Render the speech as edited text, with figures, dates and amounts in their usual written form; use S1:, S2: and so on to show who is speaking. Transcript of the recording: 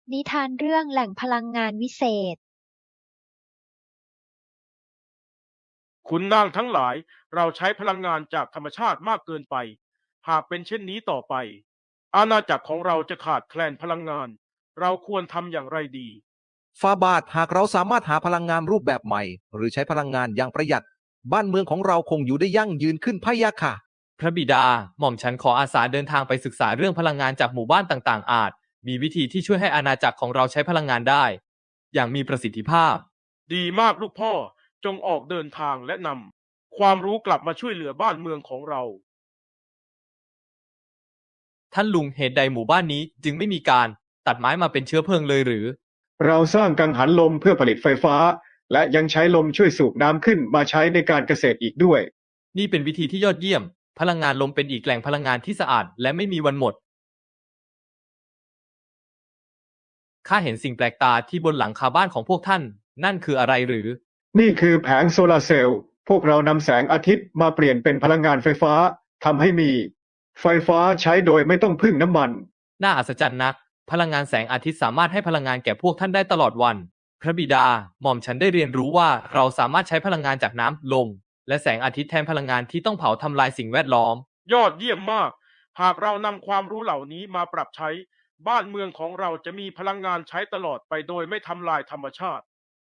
S1: นิทานเรื่องแหล่งพลังงานวิเศษ
S2: ขุนนางทั้งหลายเราใช้พลังงานจากธรรมชาติมากเกินไปหากเป็นเช่นนี้ต่อไปอาณาจักรของเราจะขาดแคลนพลังงานเราควรทำอย่างไรดี
S3: ฟาบาทหากเราสามารถหาพลังงานรูปแบบใหม่หรือใช้พลังงานอย่างประหยัดบ้านเมืองของเราคงอยู่ได้ยั่งยืนขึ้นพะยะค่ะ
S4: พระบิดาหม่อมฉันขออาสาเดินทางไปศึกษาเรื่องพลังงานจากหมู่บ้านต่างๆอาจมีวิธีที่ช่วยให้อาณาจักรของเราใช้พลังงานได้อย่างมีประสิทธิภาพ
S2: ดีมากลูกพ่อจงออกเดินทางและนำความรู้กลับมาช่วยเหลือบ้านเมืองของเรา
S4: ท่านลุงเหตุใดหมู่บ้านนี้จึงไม่มีการตัดไม้มาเป็นเชื้อเพลิงเลยหรือ
S5: เราสร้างกังหันลมเพื่อผลิตไฟฟ้าและยังใช้ลมช่วยสูบน้ำขึ้นมาใช้ในการเกษตรอีกด้วย
S4: นี่เป็นวิธีที่ยอดเยี่ยมพลังงานลมเป็นอีกแหล่งพลังงานที่สะอาดและไม่มีวันหมดข้าเห็นสิ่งแปลกตาที่บนหลังคาบ้านของพวกท่านนั่นคืออะไรหรือ
S5: นี่คือแผงโซลาร์เซลล์พวกเรานำแสงอาทิตย์มาเปลี่ยนเป็นพลังงานไฟฟ้าทำให้มีไฟฟ้าใช้โดยไม่ต้องพึ่งน้ำมัน
S4: น่าอัศจรรย์นักพลังงานแสงอาทิตย์สามารถให้พลังงานแก่พวกท่านได้ตลอดวันพระบิดาหม่อมฉันได้เรียนรู้ว่าเราสามารถใช้พลังงานจากน้ำลมและแสงอาทิตย์แทนพลังงานที่ต้องเผาทำลายสิ่งแวดล้อม
S2: ยอดเยี่ยมมากหากเรานำความรู้เหล่านี้มาปรับใช้บ้านเมืองของเราจะมีพลังงานใช้ตลอดไปโดยไม่ทำลายธรรมชาติ